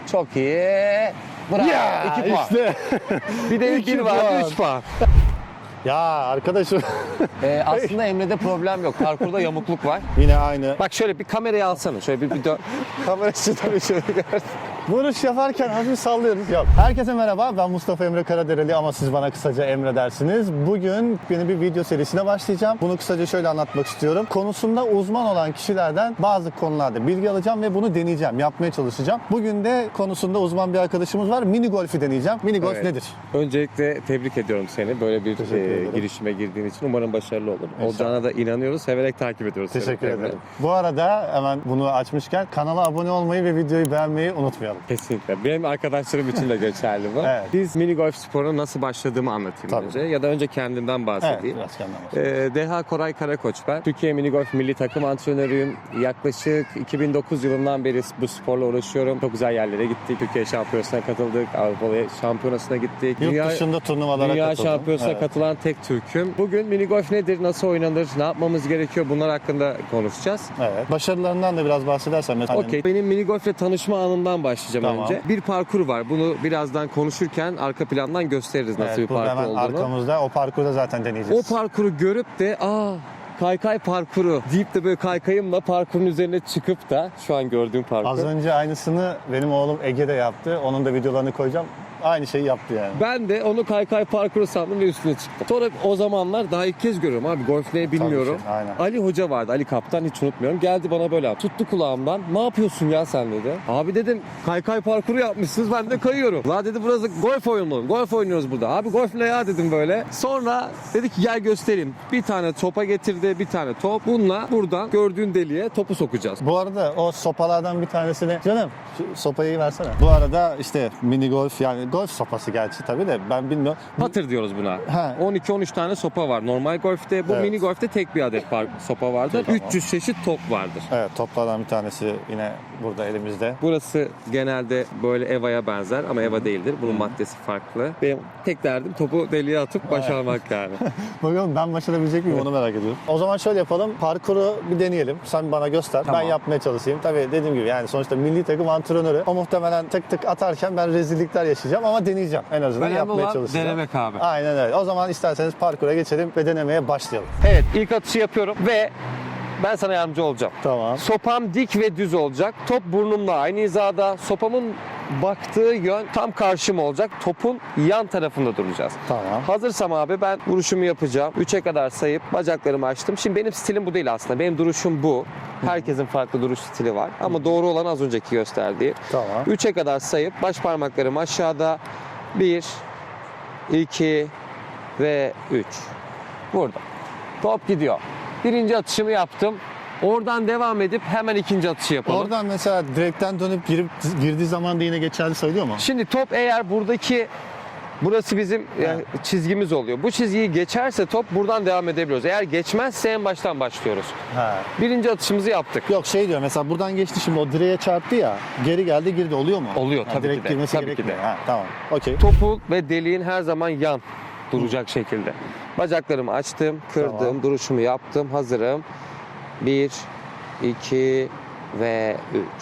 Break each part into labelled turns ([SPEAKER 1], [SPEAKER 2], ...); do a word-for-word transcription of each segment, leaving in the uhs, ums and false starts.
[SPEAKER 1] Çok iyi. Bravo.
[SPEAKER 2] Ya
[SPEAKER 1] iki puan.
[SPEAKER 2] işte.
[SPEAKER 1] Bir de
[SPEAKER 2] İki
[SPEAKER 1] bir vardı
[SPEAKER 2] puan.
[SPEAKER 1] üç puan.
[SPEAKER 2] Ya arkadaşım.
[SPEAKER 1] Ee, aslında Emre'de problem yok. Parkurda yamukluk var.
[SPEAKER 2] Yine aynı.
[SPEAKER 1] Bak şöyle bir kamerayı alsana. Şöyle bir, bir dön.
[SPEAKER 2] Kamera tabii şöyle görsün. Vuruş yaparken hafif sallıyoruz. Yok. Herkese merhaba. Ben Mustafa Emre Karadereli ama siz bana kısaca Emre dersiniz. Bugün yeni bir video serisine başlayacağım. Bunu kısaca şöyle anlatmak istiyorum. Konusunda uzman olan kişilerden bazı konularda bilgi alacağım ve bunu deneyeceğim. Yapmaya çalışacağım. Bugün de konusunda uzman bir arkadaşımız var. Mini golf'i deneyeceğim. Mini golf
[SPEAKER 1] Evet.
[SPEAKER 2] nedir?
[SPEAKER 1] Öncelikle tebrik ediyorum seni. Böyle bir
[SPEAKER 2] Teşekkür
[SPEAKER 1] e,
[SPEAKER 2] ederim.
[SPEAKER 1] girişime girdiğin için umarım başarılı olur.
[SPEAKER 2] İnşallah.
[SPEAKER 1] Olacağına da inanıyoruz. Severek takip ediyoruz.
[SPEAKER 2] Teşekkür
[SPEAKER 1] seni.
[SPEAKER 2] ederim. Bu arada hemen bunu açmışken kanala abone olmayı ve videoyu beğenmeyi unutmayalım.
[SPEAKER 1] Kesinlikle. Benim arkadaşlarım için de geçerli bu.
[SPEAKER 2] Evet.
[SPEAKER 1] Biz mini golf sporuna nasıl başladığımı anlatayım
[SPEAKER 2] Tabii.
[SPEAKER 1] önce. Ya da önce kendimden
[SPEAKER 2] Evet,
[SPEAKER 1] bahsedeyim.
[SPEAKER 2] biraz kendim bahsedeyim.
[SPEAKER 1] Ee, Deha Koray Karakoç ben. Türkiye Mini Golf Milli Takım antrenörüyüm. Yaklaşık iki bin dokuz yılından beri bu sporla uğraşıyorum. Çok güzel yerlere gittik. Türkiye Şampiyonası'na katıldık. Avrupa Şampiyonası'na gittik.
[SPEAKER 2] Yurt dışında turnuvalara
[SPEAKER 1] Dünya
[SPEAKER 2] katıldım.
[SPEAKER 1] Şampiyonası'na
[SPEAKER 2] Evet.
[SPEAKER 1] katılan tek Türk'üm. Bugün mini golf nedir, nasıl oynanır, ne yapmamız gerekiyor bunlar hakkında konuşacağız.
[SPEAKER 2] Evet. Başarılarından da biraz bahsedersen mesela.
[SPEAKER 1] Okey. Benim mini golfle tanışma anımdan başlayacağım
[SPEAKER 2] Tamam.
[SPEAKER 1] önce. Bir parkur var. Bunu birazdan konuşurken arka plandan gösteririz nasıl
[SPEAKER 2] Evet,
[SPEAKER 1] bir
[SPEAKER 2] burada
[SPEAKER 1] parkur
[SPEAKER 2] hemen
[SPEAKER 1] olduğunu.
[SPEAKER 2] arkamızda o parkurda zaten
[SPEAKER 1] O
[SPEAKER 2] deneyeceğiz.
[SPEAKER 1] parkuru görüp de aa kaykay parkuru deyip de böyle kaykayımla parkurun üzerine çıkıp da şu an gördüğüm parkur.
[SPEAKER 2] Az önce aynısını benim oğlum Ege de yaptı. Onun da videolarını koyacağım. Aynı şeyi yaptı yani.
[SPEAKER 1] Ben de onu kaykay parkuru sandım ve üstüne çıktım. Sonra o zamanlar daha ilk kez görüyorum abi golf ne bilmiyorum.
[SPEAKER 2] ki, aynen.
[SPEAKER 1] Ali Hoca vardı, Ali Kaptan hiç unutmuyorum. Geldi bana böyle yaptı. Tuttu kulağımdan. Ne yapıyorsun ya sen dedi. Abi dedim kaykay parkuru yapmışsınız ben de kayıyorum. La dedi burası golf oyunu. Golf oynuyoruz burada. Abi golf ne ya dedim böyle. Sonra dedi ki gel göstereyim. Bir tane topa getirdi, bir tane top. Bununla buradan gördüğün deliğe topu sokacağız.
[SPEAKER 2] Bu arada o sopalardan bir tanesini... Canım şu sopayı versene. Bu arada işte mini golf yani golf sopası gerçi tabii de ben bilmiyorum.
[SPEAKER 1] Patır diyoruz buna.
[SPEAKER 2] He.
[SPEAKER 1] on iki on üç tane sopa var. Normal golfte bu
[SPEAKER 2] Evet.
[SPEAKER 1] mini golfte tek bir adet par- sopa vardır.
[SPEAKER 2] Tamam.
[SPEAKER 1] üç yüz çeşit top vardır.
[SPEAKER 2] Evet, toplardan bir tanesi yine burada elimizde.
[SPEAKER 1] Burası genelde böyle EVA'ya benzer ama EVA değildir. Bunun maddesi farklı. Benim tek derdim topu deliğe atıp başarmak yani.
[SPEAKER 2] Bakalım ben başarabilecek miyim onu merak ediyorum. O zaman şöyle yapalım. Parkuru bir deneyelim. Sen bana göster.
[SPEAKER 1] Tamam.
[SPEAKER 2] Ben yapmaya çalışayım. Tabii dediğim gibi yani sonuçta milli takım antrenörü. O muhtemelen tık tık atarken ben rezillikler yaşayacağım ama deneyeceğim. En azından
[SPEAKER 1] Önemli
[SPEAKER 2] yapmaya
[SPEAKER 1] olan
[SPEAKER 2] çalışacağım.
[SPEAKER 1] denemek abi.
[SPEAKER 2] Aynen öyle. O zaman isterseniz parkura geçelim ve denemeye başlayalım.
[SPEAKER 1] Evet ilk atışı yapıyorum ve ben sana yardımcı olacağım.
[SPEAKER 2] Tamam.
[SPEAKER 1] Sopam dik ve düz olacak. Top burnumla aynı hizada. Sopamın baktığı yön tam karşıma olacak. Topun yan tarafında duracağız.
[SPEAKER 2] Tamam.
[SPEAKER 1] Hazırsam abi ben vuruşumu yapacağım. üçe kadar sayıp bacaklarımı açtım. Şimdi benim stilim bu değil aslında. Benim duruşum bu. Herkesin farklı duruş stili var. Ama doğru olan az önceki gösterdiği.
[SPEAKER 2] Tamam.
[SPEAKER 1] üçe kadar sayıp baş parmaklarım aşağıda. bir, iki ve üç. Burada. Top gidiyor. Birinci atışımı yaptım. Oradan devam edip hemen ikinci atışı yapalım.
[SPEAKER 2] Oradan mesela direkten dönüp girip girdiği zaman da yine geçerli sayılıyor mu?
[SPEAKER 1] Şimdi top eğer buradaki burası bizim yani çizgimiz oluyor. Bu çizgiyi geçerse top buradan devam edebiliyoruz. Eğer geçmezse en baştan başlıyoruz.
[SPEAKER 2] Ha.
[SPEAKER 1] Birinci atışımızı yaptık.
[SPEAKER 2] Yok şey diyor mesela buradan geçti şimdi o direğe çarptı ya geri geldi girdi oluyor mu?
[SPEAKER 1] Oluyor,
[SPEAKER 2] Ha,
[SPEAKER 1] tabii
[SPEAKER 2] direkt
[SPEAKER 1] ki de,
[SPEAKER 2] girmesi
[SPEAKER 1] tabii ki
[SPEAKER 2] gerekmiyor.
[SPEAKER 1] de.
[SPEAKER 2] Ha, tamam okey.
[SPEAKER 1] Topu ve deliğin her zaman yan duracak şekilde. Bacaklarımı açtım, kırdım,
[SPEAKER 2] Tamam.
[SPEAKER 1] duruşumu yaptım, hazırım. bir, iki ve üç.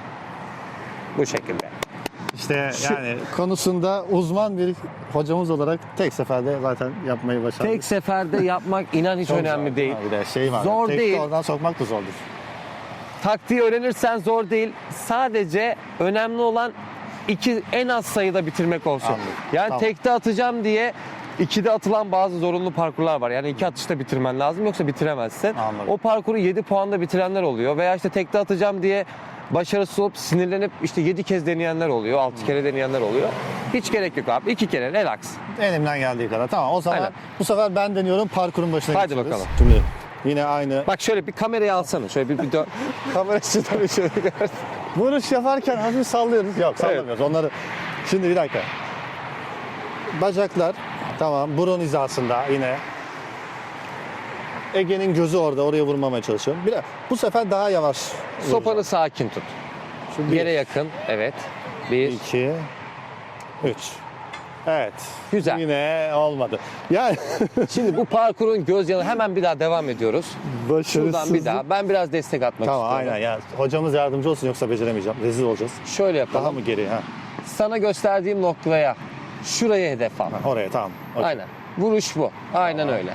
[SPEAKER 1] Bu şekilde.
[SPEAKER 2] İşte
[SPEAKER 1] Şu-
[SPEAKER 2] yani konusunda uzman bir hocamız olarak tek seferde zaten yapmayı başardık.
[SPEAKER 1] Tek seferde yapmak inan hiç
[SPEAKER 2] Çok
[SPEAKER 1] önemli
[SPEAKER 2] zor.
[SPEAKER 1] değil.
[SPEAKER 2] Ha, bir de şey var.
[SPEAKER 1] Zor
[SPEAKER 2] tek de
[SPEAKER 1] değil.
[SPEAKER 2] oradan sokmak da zordur.
[SPEAKER 1] Taktiği öğrenirsen zor değil. Sadece önemli olan iki en az sayıda bitirmek olsun.
[SPEAKER 2] Anladım.
[SPEAKER 1] Yani
[SPEAKER 2] Tamam.
[SPEAKER 1] tekte atacağım diye ikide atılan bazı zorunlu parkurlar var. Yani iki atışta bitirmen lazım yoksa bitiremezsin.
[SPEAKER 2] Anladım.
[SPEAKER 1] O parkuru yedi puanda bitirenler oluyor. Veya işte tekte atacağım diye başarısız olup sinirlenip işte yedi kez deneyenler oluyor. altı kere deneyenler oluyor. Hiç gerek yok abi. iki kere relax.
[SPEAKER 2] Elimden geldiği kadar. Tamam o zaman
[SPEAKER 1] Aynen.
[SPEAKER 2] bu sefer ben deniyorum parkurun başına
[SPEAKER 1] Hadi
[SPEAKER 2] geçiyoruz.
[SPEAKER 1] bakalım.
[SPEAKER 2] Şimdi yine aynı.
[SPEAKER 1] Bak şöyle bir kamerayı alsana. Şöyle bir, bir dön.
[SPEAKER 2] Kamerası tabii şöyle görsün. Vuruş yaparken hafif sallıyoruz. Yok sallamıyoruz onları. Şimdi bir dakika. Bacaklar tamam burun hizasında yine. Ege'nin gözü orada oraya vurmamaya çalışıyorum. Bir de bu sefer daha yavaş.
[SPEAKER 1] Sopanı sakin tut.
[SPEAKER 2] Şu bir,
[SPEAKER 1] Yere yakın. Evet. Bir.
[SPEAKER 2] iki, üç. Evet.
[SPEAKER 1] Güzel.
[SPEAKER 2] Yine olmadı. Yani
[SPEAKER 1] Şimdi bu parkurun göz yanı hemen bir daha devam ediyoruz.
[SPEAKER 2] başarısız.
[SPEAKER 1] Şuradan bir daha. Ben biraz destek atmak
[SPEAKER 2] Tamam
[SPEAKER 1] istiyorum.
[SPEAKER 2] aynen ya. Hocamız yardımcı olsun yoksa beceremeyeceğim. Rezil olacağız.
[SPEAKER 1] Şöyle yapalım.
[SPEAKER 2] Daha mı geri ha?
[SPEAKER 1] Sana gösterdiğim noktaya, şuraya hedef al.
[SPEAKER 2] Ha, oraya tamam. Okey.
[SPEAKER 1] Aynen. Vuruş bu. Aynen öyle.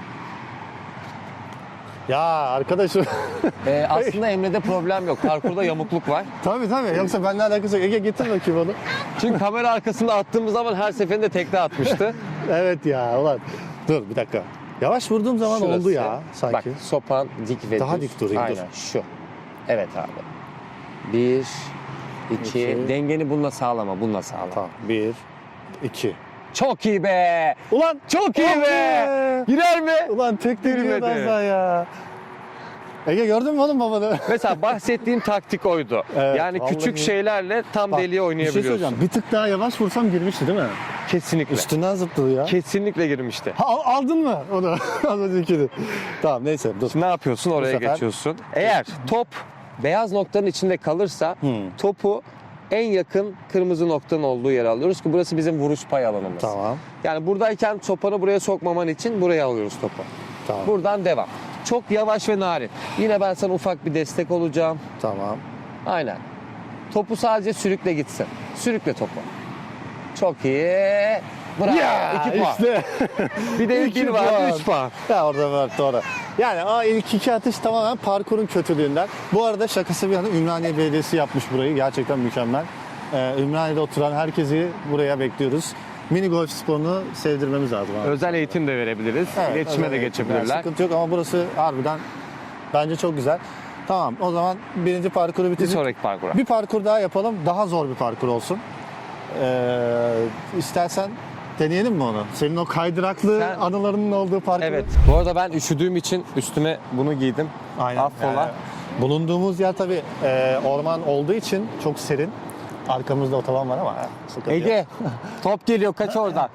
[SPEAKER 2] Ya arkadaşım.
[SPEAKER 1] Ee, aslında Emre'de problem yok. Parkurda yamukluk var.
[SPEAKER 2] tabii tabii. Yoksa benimle alakası yok. Ege getir bakayım onu.
[SPEAKER 1] Çünkü kamera arkasında attığımız zaman her seferinde tekte atmıştı.
[SPEAKER 2] Evet ya ulan. Dur bir dakika. Yavaş vurduğum zaman
[SPEAKER 1] Şurası.
[SPEAKER 2] oldu ya sanki.
[SPEAKER 1] Bak sopan dik ve
[SPEAKER 2] Daha
[SPEAKER 1] düz.
[SPEAKER 2] dik durayım,
[SPEAKER 1] Aynen
[SPEAKER 2] dur.
[SPEAKER 1] şu. Evet abi. Bir, iki.
[SPEAKER 2] İki.
[SPEAKER 1] Dengeni bununla sağlama. Bununla sağlama.
[SPEAKER 2] Tamam. Bir, iki.
[SPEAKER 1] Çok iyi be.
[SPEAKER 2] Ulan
[SPEAKER 1] Çok iyi
[SPEAKER 2] Oh
[SPEAKER 1] be.
[SPEAKER 2] be.
[SPEAKER 1] Girer mi?
[SPEAKER 2] Ulan tek de
[SPEAKER 1] Girmedi.
[SPEAKER 2] girmez daha ya. Ege gördün mü oğlum babanı?
[SPEAKER 1] Mesela bahsettiğim taktik oydu.
[SPEAKER 2] Evet,
[SPEAKER 1] yani
[SPEAKER 2] vallahi.
[SPEAKER 1] küçük şeylerle tam
[SPEAKER 2] Bak,
[SPEAKER 1] deliye
[SPEAKER 2] Bir şey
[SPEAKER 1] oynayabiliyorsun.
[SPEAKER 2] söyleyeceğim. Bir tık daha yavaş vursam girmişti değil mi?
[SPEAKER 1] Kesinlikle.
[SPEAKER 2] Üstünden zıpladı ya.
[SPEAKER 1] Kesinlikle girmişti.
[SPEAKER 2] Ha, al- aldın mı onu? Az öncekini. Tamam neyse dur.
[SPEAKER 1] Şimdi ne yapıyorsun? Oraya
[SPEAKER 2] sefer-
[SPEAKER 1] geçiyorsun. Eğer top beyaz noktanın içinde kalırsa
[SPEAKER 2] Hmm.
[SPEAKER 1] topu en yakın kırmızı noktanın olduğu yere alıyoruz ki burası bizim vuruş pay alanımız.
[SPEAKER 2] Tamam.
[SPEAKER 1] Yani buradayken sopanı buraya sokmaman için buraya alıyoruz topu.
[SPEAKER 2] Tamam.
[SPEAKER 1] Buradan devam. Çok yavaş ve narin. Yine ben sana ufak bir destek olacağım.
[SPEAKER 2] Tamam.
[SPEAKER 1] Aynen. Topu sadece sürükle gitsin. Sürükle topu. Çok iyi. Bravo. İki puan.
[SPEAKER 2] işte.
[SPEAKER 1] Bir de ilk
[SPEAKER 2] İki
[SPEAKER 1] bir vardı.
[SPEAKER 2] puan.
[SPEAKER 1] Üç puan.
[SPEAKER 2] Ya orada var doğru. Yani o ilk iki atış tamamen parkurun kötülüğünden. Bu arada şakası bir yana Ümraniye Belediyesi yapmış burayı. Gerçekten mükemmel. Ee, Ümraniye'de oturan herkesi buraya bekliyoruz. Mini golf sporunu sevdirmemiz lazım abi.
[SPEAKER 1] Özel eğitim de verebiliriz.
[SPEAKER 2] Evet,
[SPEAKER 1] İletişime
[SPEAKER 2] özel
[SPEAKER 1] de
[SPEAKER 2] eğitim.
[SPEAKER 1] geçebilirler.
[SPEAKER 2] Yani sıkıntı yok ama burası harbiden bence çok güzel. Tamam o zaman birinci parkuru
[SPEAKER 1] Bir
[SPEAKER 2] bitirdik.
[SPEAKER 1] sonraki parkura.
[SPEAKER 2] Bir parkur daha yapalım. Daha zor bir parkur olsun. Ee, istersen deneyelim mi onu? Senin o kaydıraklı
[SPEAKER 1] Sen-
[SPEAKER 2] anılarının olduğu parkur.
[SPEAKER 1] Evet. Bu arada ben üşüdüğüm için üstüme bunu giydim.
[SPEAKER 2] Aynen.
[SPEAKER 1] Affola.
[SPEAKER 2] Yani bulunduğumuz yer tabii e, orman olduğu için çok serin. Arkamızda otoban var ama. ha, sıkıntı yok.
[SPEAKER 1] Ege, top geliyor. Kaç oradan.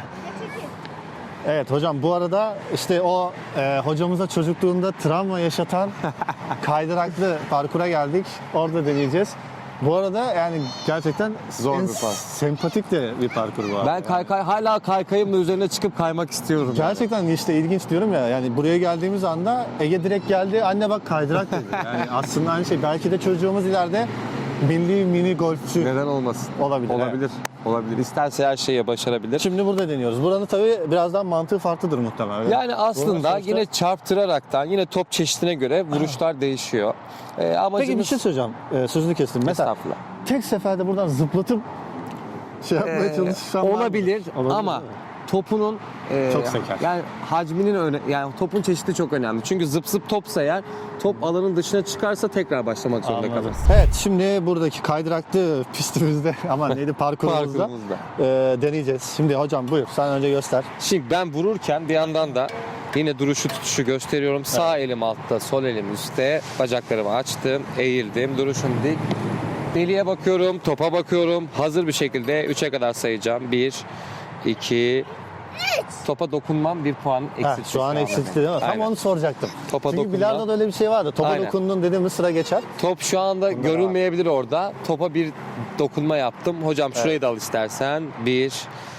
[SPEAKER 2] Evet hocam bu arada işte o e, hocamıza çocukluğunda travma yaşatan kaydıraklı parkura geldik. Orada deneyeceğiz. Bu arada yani gerçekten
[SPEAKER 1] Zor
[SPEAKER 2] en
[SPEAKER 1] bir parkur.
[SPEAKER 2] sempatik de bir parkur bu.
[SPEAKER 1] Ben kaykay hala kaykayımla üzerine çıkıp kaymak istiyorum. yani.
[SPEAKER 2] Gerçekten işte ilginç diyorum ya yani buraya geldiğimiz anda Ege direkt geldi anne bak kaydırak dedi. Yani aslında aynı şey belki de çocuğumuz ileride milli mini golfçü
[SPEAKER 1] Neden olmasın?
[SPEAKER 2] olabilir.
[SPEAKER 1] Olabilir. Olabilir. İsterse her şeyi başarabilir.
[SPEAKER 2] Şimdi burada deniyoruz. Buranın tabii birazdan mantığı farklıdır muhtemelen. öyle mi?
[SPEAKER 1] Yani aslında
[SPEAKER 2] sonuçta-
[SPEAKER 1] yine çarptıraraktan yine top çeşidine göre vuruşlar değişiyor. Ee, amacımız...
[SPEAKER 2] Peki bir şey söyleyeceğim. Ee, sözünü kestim. Mesela
[SPEAKER 1] Estağfurullah.
[SPEAKER 2] tek seferde buradan zıplatıp şey yapmaya
[SPEAKER 1] Ee,
[SPEAKER 2] çalışsam var mı?
[SPEAKER 1] olabilir,
[SPEAKER 2] Olabilir
[SPEAKER 1] ama
[SPEAKER 2] değil mi?
[SPEAKER 1] topunun e,
[SPEAKER 2] Çok seker.
[SPEAKER 1] yani hacminin öne, yani topun çeşidi çok önemli. Çünkü zıp zıp topsa eğer top alanın dışına çıkarsa tekrar başlamak zorunda
[SPEAKER 2] Anladım.
[SPEAKER 1] kalırız.
[SPEAKER 2] Evet şimdi buradaki kaydıraklı pistimizde ama neydi parkurumuzda
[SPEAKER 1] Parkurumuzda.
[SPEAKER 2] e, deneyeceğiz. Şimdi hocam buyur sen önce göster.
[SPEAKER 1] Şimdi ben vururken bir yandan da yine duruşu tutuşu gösteriyorum. Sağ elim altta, sol elim üstte. Bacaklarımı açtım, eğildim. Duruşum dik. Deliğe bakıyorum, topa bakıyorum. Hazır bir şekilde üçe kadar sayacağım. bir, iki, topa dokunmam bir puan
[SPEAKER 2] Heh,
[SPEAKER 1] eksiltmiş.
[SPEAKER 2] şu an eksiltti değil mi? Tam
[SPEAKER 1] Aynen.
[SPEAKER 2] onu soracaktım.
[SPEAKER 1] Topa
[SPEAKER 2] Çünkü
[SPEAKER 1] dokunma.
[SPEAKER 2] bilardoda öyle bir şey vardı. Topa
[SPEAKER 1] Aynen.
[SPEAKER 2] dokundun dediğimiz sıra geçer.
[SPEAKER 1] Top şu anda
[SPEAKER 2] Bunda
[SPEAKER 1] görünmeyebilir orada. Topa bir dokunma yaptım. Hocam şurayı da al istersen. bir,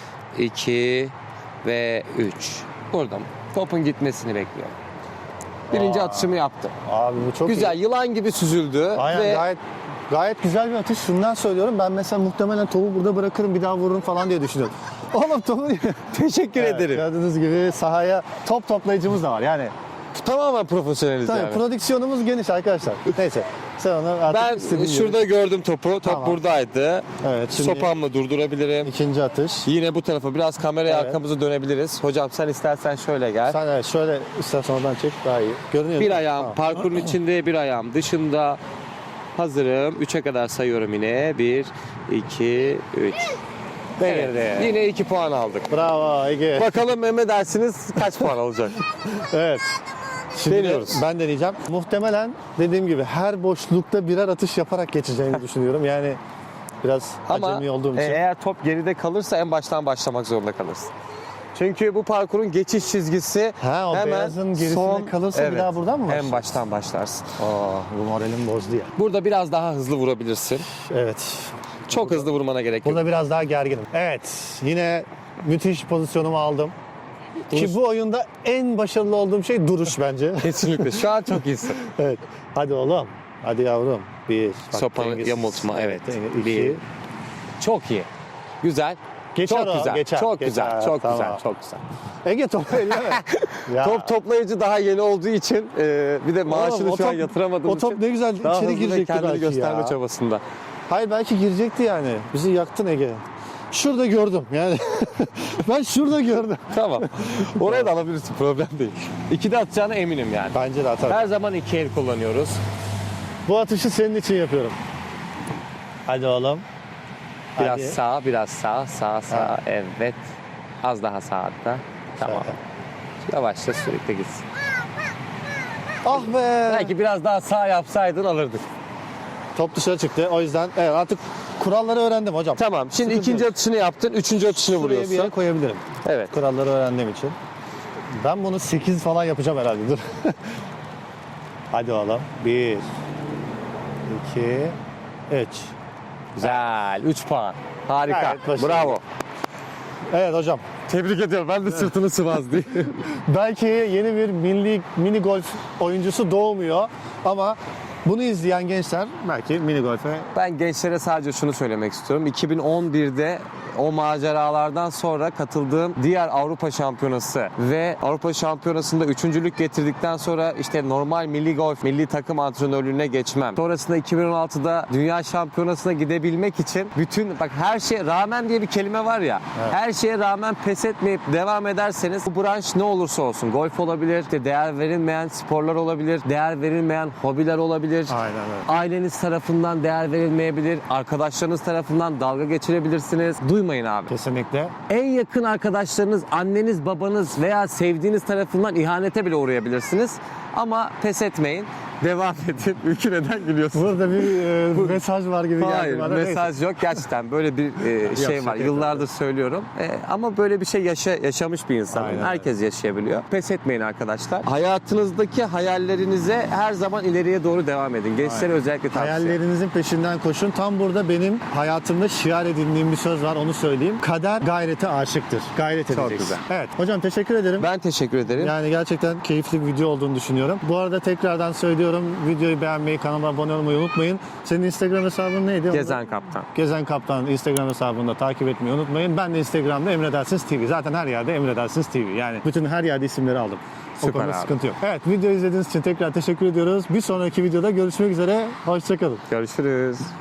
[SPEAKER 1] iki ve üç. Burada mı? Topun gitmesini bekliyorum. Birinci
[SPEAKER 2] Aa.
[SPEAKER 1] atışımı yaptım.
[SPEAKER 2] Abi bu çok
[SPEAKER 1] Güzel,
[SPEAKER 2] iyi.
[SPEAKER 1] yılan gibi süzüldü.
[SPEAKER 2] Aynen
[SPEAKER 1] ve
[SPEAKER 2] gayet gayet güzel bir atış. Şundan söylüyorum. Ben mesela muhtemelen topu burada bırakırım bir daha vururum falan diye düşünüyorum. Oğlum topu
[SPEAKER 1] teşekkür
[SPEAKER 2] Evet,
[SPEAKER 1] ederim.
[SPEAKER 2] gördüğünüz gibi sahaya top toplayıcımız da var. Yani
[SPEAKER 1] Tamamen profesyoneliz
[SPEAKER 2] tabii
[SPEAKER 1] yani.
[SPEAKER 2] prodüksiyonumuz geniş arkadaşlar. Neyse. Sen onu artık
[SPEAKER 1] Ben
[SPEAKER 2] istediğin gibi-
[SPEAKER 1] şurada gördüm topu. Top
[SPEAKER 2] Tamam.
[SPEAKER 1] buradaydı.
[SPEAKER 2] Evet, şimdi-
[SPEAKER 1] Sopamla durdurabilirim.
[SPEAKER 2] ikinci atış.
[SPEAKER 1] Yine bu tarafa biraz kameraya
[SPEAKER 2] Evet.
[SPEAKER 1] arkamızı dönebiliriz. Hocam sen istersen şöyle gel.
[SPEAKER 2] Sen evet şöyle istersen oradan çek daha iyi. Görünüyor
[SPEAKER 1] Bir
[SPEAKER 2] değil mi?
[SPEAKER 1] ayağım
[SPEAKER 2] Tamam.
[SPEAKER 1] parkurun içinde, bir ayağım dışında. Hazırım. Üçe kadar sayıyorum yine. Bir, iki, üç. Evet. Yine iki puan aldık.
[SPEAKER 2] Bravo Ege.
[SPEAKER 1] Bakalım Mehmet dersiniz kaç puan alacak?
[SPEAKER 2] Evet. Şimdi
[SPEAKER 1] Deniyoruz.
[SPEAKER 2] ben deneyeceğim. Muhtemelen dediğim gibi her boşlukta birer atış yaparak geçeceğimi düşünüyorum. Yani biraz
[SPEAKER 1] Ama
[SPEAKER 2] acemi olduğum için.
[SPEAKER 1] e, eğer top geride kalırsa en baştan başlamak zorunda kalırsın. Çünkü bu parkurun geçiş çizgisi
[SPEAKER 2] Ha, o
[SPEAKER 1] hemen
[SPEAKER 2] beyazın gerisinde
[SPEAKER 1] son,
[SPEAKER 2] kalırsa bir daha buradan mı
[SPEAKER 1] En
[SPEAKER 2] başlarsın?
[SPEAKER 1] baştan başlarsın.
[SPEAKER 2] Aa, bu moralim bozdu ya.
[SPEAKER 1] Burada biraz daha hızlı vurabilirsin.
[SPEAKER 2] Evet.
[SPEAKER 1] Çok hızlı vurmana gerek yok.
[SPEAKER 2] Burada biraz daha gerginim. Evet, yine müthiş pozisyonumu aldım. Ki bu oyunda en başarılı olduğum şey duruş bence.
[SPEAKER 1] Kesinlikle. Şu an çok iyisin.
[SPEAKER 2] Evet. Hadi oğlum. Hadi yavrum. Bir. Bak,
[SPEAKER 1] Sopanı
[SPEAKER 2] dengesiz.
[SPEAKER 1] yamultma, evet.
[SPEAKER 2] denge- İki.
[SPEAKER 1] Bir. Çok iyi. Güzel.
[SPEAKER 2] Geçer
[SPEAKER 1] çok
[SPEAKER 2] o,
[SPEAKER 1] güzel.
[SPEAKER 2] geçer,
[SPEAKER 1] çok
[SPEAKER 2] geçer.
[SPEAKER 1] güzel. Çok
[SPEAKER 2] Tamam.
[SPEAKER 1] güzel. Çok güzel.
[SPEAKER 2] Ege topu elleme. Ya.
[SPEAKER 1] Top toplayıcı daha yeni olduğu için e, bir de maaşını
[SPEAKER 2] Oğlum, o
[SPEAKER 1] şu an
[SPEAKER 2] top-
[SPEAKER 1] yatıramadığım
[SPEAKER 2] o top
[SPEAKER 1] için
[SPEAKER 2] ne güzel
[SPEAKER 1] daha
[SPEAKER 2] içeri
[SPEAKER 1] hızlı ve
[SPEAKER 2] girecekti
[SPEAKER 1] kendini
[SPEAKER 2] belki
[SPEAKER 1] gösterme
[SPEAKER 2] ya.
[SPEAKER 1] çabasında.
[SPEAKER 2] Hayır belki girecekti yani. Bizi yaktın Ege. Şurada gördüm yani. Ben şurada gördüm.
[SPEAKER 1] Tamam. Oraya da alabilirsin. Problem değil. İkide atacağına eminim yani.
[SPEAKER 2] Bence de atar.
[SPEAKER 1] Her zaman iki el kullanıyoruz.
[SPEAKER 2] Bu atışı senin için yapıyorum. Hadi oğlum.
[SPEAKER 1] Biraz
[SPEAKER 2] Hadi.
[SPEAKER 1] sağ, biraz sağ, sağ, sağ.
[SPEAKER 2] Ha.
[SPEAKER 1] Evet. Az daha sağ hatta. Tamam. Yavaşça sürekli gitsin.
[SPEAKER 2] Ah be.
[SPEAKER 1] Belki biraz daha sağ yapsaydın alırdık.
[SPEAKER 2] Top dışarı çıktı. O yüzden evet artık kuralları öğrendim hocam.
[SPEAKER 1] Tamam. Şimdi
[SPEAKER 2] Sıkıntı
[SPEAKER 1] ikinci
[SPEAKER 2] yok.
[SPEAKER 1] atışını yaptın. Üçüncü atışını
[SPEAKER 2] Şuraya bir yere
[SPEAKER 1] vuruyorsun.
[SPEAKER 2] koyabilirim.
[SPEAKER 1] Evet.
[SPEAKER 2] Kuralları öğrendiğim için. Ben bunu sekiz falan yapacağım herhalde. Dur. Hadi oğlum. bir, iki, üç.
[SPEAKER 1] Güzel. Üç puan. Harika.
[SPEAKER 2] Gayet başarılı.
[SPEAKER 1] Bravo.
[SPEAKER 2] Evet hocam.
[SPEAKER 1] Tebrik ediyorum. Ben de sırtını sıvazdı.
[SPEAKER 2] Belki yeni bir milli mini golf oyuncusu doğmuyor ama bunu izleyen gençler belki mini golfe
[SPEAKER 1] Ben gençlere sadece şunu söylemek istiyorum. iki bin on birde o maceralardan sonra katıldığım diğer Avrupa Şampiyonası ve Avrupa Şampiyonası'nda üçüncülük getirdikten sonra işte normal milli golf, milli takım antrenörlüğüne geçmem. Sonrasında iki bin on altıda Dünya Şampiyonası'na gidebilmek için bütün bak her şeye rağmen diye bir kelime var ya.
[SPEAKER 2] Evet.
[SPEAKER 1] Her şeye rağmen pes etmeyip devam ederseniz bu branş ne olursa olsun golf olabilir, işte değer verilmeyen sporlar olabilir, değer verilmeyen hobiler olabilir.
[SPEAKER 2] aynen öyle.
[SPEAKER 1] Aileniz tarafından değer verilmeyebilir, arkadaşlarınız tarafından dalga geçirebilirsiniz. Duymayın abi.
[SPEAKER 2] Kesinlikle.
[SPEAKER 1] En yakın arkadaşlarınız, anneniz, babanız veya sevdiğiniz tarafından ihanete bile uğrayabilirsiniz. Ama pes etmeyin. Devam edin. Ülkü neden gülüyorsun?
[SPEAKER 2] Burada bir e, mesaj var gibi geldi
[SPEAKER 1] Hayır,
[SPEAKER 2] bana.
[SPEAKER 1] mesaj yok. Gerçekten böyle bir e, şey
[SPEAKER 2] Yok,
[SPEAKER 1] var.
[SPEAKER 2] şaka
[SPEAKER 1] Yıllardır söylüyorum. E, ama böyle bir şey yaşa, yaşamış bir insan.
[SPEAKER 2] Aynen
[SPEAKER 1] Herkes yaşayabiliyor. Pes etmeyin arkadaşlar. Hayatınızdaki hayallerinize her zaman ileriye doğru devam edin. Gençlere özellikle tavsiye.
[SPEAKER 2] Hayallerinizin peşinden koşun. Tam burada benim hayatımda şiar edindiğim bir söz var, onu söyleyeyim. Kader gayrete aşıktır. Gayret
[SPEAKER 1] Çok
[SPEAKER 2] edeceksin.
[SPEAKER 1] güzel.
[SPEAKER 2] Evet. Hocam teşekkür ederim.
[SPEAKER 1] Ben teşekkür ederim.
[SPEAKER 2] Yani gerçekten keyifli bir video olduğunu düşünüyorum. Bu arada tekrardan söylüyorum. Videoyu beğenmeyi, kanalıma abone olmayı unutmayın. Senin Instagram hesabın neydi?
[SPEAKER 1] Gezen Kaptan.
[SPEAKER 2] Gezen Kaptan Instagram hesabında takip etmeyi unutmayın. Ben de Instagram'da Emredersiniz T V. Zaten her yerde Emredersiniz T V. Yani bütün her yerde isimleri aldım. O
[SPEAKER 1] Süper
[SPEAKER 2] konuda
[SPEAKER 1] abi.
[SPEAKER 2] sıkıntı yok. Evet, video izlediğiniz için tekrar teşekkür ediyoruz. Bir sonraki videoda görüşmek üzere. Hoşçakalın.
[SPEAKER 1] Görüşürüz.